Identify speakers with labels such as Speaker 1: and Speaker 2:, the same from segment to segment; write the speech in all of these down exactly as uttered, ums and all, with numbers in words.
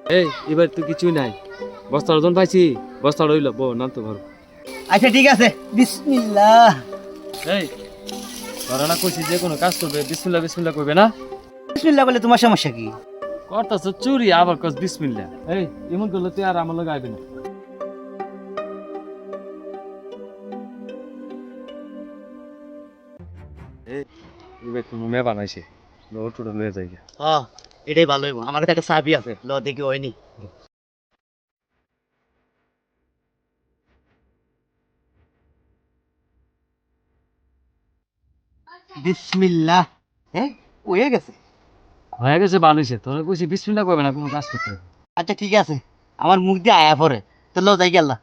Speaker 1: এই এবার তো কিছুই নাই, বস্তার ওজন পাইছি, বস্তা রইল বউ নাম তো ঘর।
Speaker 2: আচ্ছা ঠিক আছে, বিসমিল্লাহ।
Speaker 1: এই ধরে না কইছি যে কোনো কাজ করবে বিসমিল্লাহ বিসমিল্লাহ করবে না।
Speaker 2: বিসমিল্লাহ বলে তোমার সমস্যা কি?
Speaker 1: করতাছ চুরি আবার কস বিসমিল্লাহ। এই এমন করলে তুই আর আমার লগে আইবি না। এই এবার তুমি মে বানাইছে ওটুটা লয়ে যাই।
Speaker 2: হ্যাঁ এটাই ভালো হইব, আমার কাছে একটা চাবি আছে, ল দেখি হয়নি। বিসমিল্লাহ। হ্যাঁ হয়ে গেছে।
Speaker 1: হয়ে গেছে বানাইছে, তোর কইছি বিসমিল্লাহ করবে না কোনো কাজ করতে।
Speaker 2: আচ্ছা ঠিক আছে, আমার মুখ দিয়ে আয়া পড়ে, তো ল যাই গেল।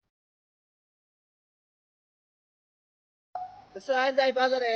Speaker 2: যাই বাজারে,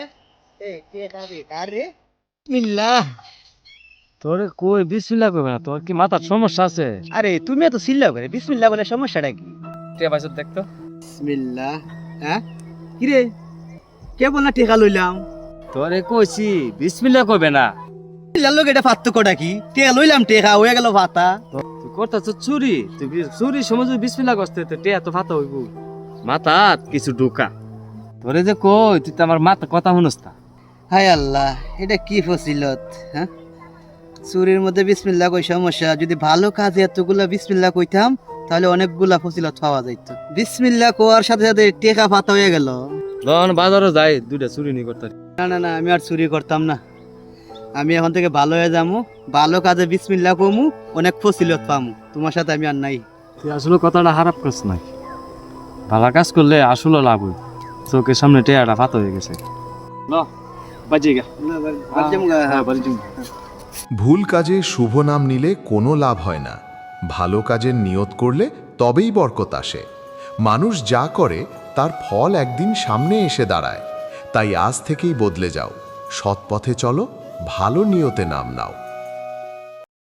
Speaker 2: বিসমিল্লাহ।
Speaker 1: তোরে কই বিসমিল্লাহ করবে না, তোর কি মাথার সমস্যা আছে?
Speaker 2: আরে তুমি এত চিল্লাও করে, বিসমিল্লাহ বলে সমস্যাটা কি?
Speaker 1: টিয়া পাইছত দেখতো।
Speaker 2: বিসমিল্লাহ। হ্যাঁ কিরে, কে বল না টেকা লইলাম?
Speaker 1: তোরে কইছি বিসমিল্লাহ করবে না।
Speaker 2: বিসমিল্লাহ লোক এটা পার্থক্যটা কি? টেকা লইলাম, টেকা হয়ে গেল ভাতা।
Speaker 1: তুই করতেছ চুরি, তুই বি- চুরি সময় যদি বিসমিল্লাহ করতে তো টিয়া তো ফাতা হইব। মাথাত কিছু ঢোকা। তোরে যে কই তুই তো আমার মাথা কথা শুনস না।
Speaker 2: হায় আল্লাহ, এটা কি ফজিলত? হ্যাঁ চুরির মধ্যে বিসমিল্লাহ কই সমস্যা? যদি ভালো কাজে এতগুলা বিসমিল্লাহ কইতাম তাহলে অনেকগুলা ফজিলত পাওয়া যাইত। বিসমিল্লাহ কোয়ার সাথে সাথে টেকা ফাতা হয়ে গেল।
Speaker 1: লন বাজারও যাই দুইটা চুরি নি করতে।
Speaker 2: না না না, আমি আর চুরি করতাম না। আমি এখন থেকে ভালো হয়ে যাবো, ভালো কাজে বিসমিল্লাহ কমু, অনেক ফজিলত পামু। তোমার সাথে আমি আর নাই।
Speaker 1: তুই আসলে কথাটা খারাপ করছ না। ভালো কাজ করলে আসলে লাভ হই। চোখের সামনে টিয়াটা ফাতা হয়ে গেছে। ল বাজে গা। হ্যাঁ বাড়ি যাবো।
Speaker 3: ভুল কাজে শুভ নাম নিলে কোনো লাভ হয় না। ভালো কাজের নিয়ত করলে তবেই বরকত আসে। মানুষ যা করে তার ফল একদিন সামনে এসে দাঁড়ায়। তাই আজ থেকেই বদলে যাও, সৎ পথে চলো, ভালো নিয়তে নাম নাও।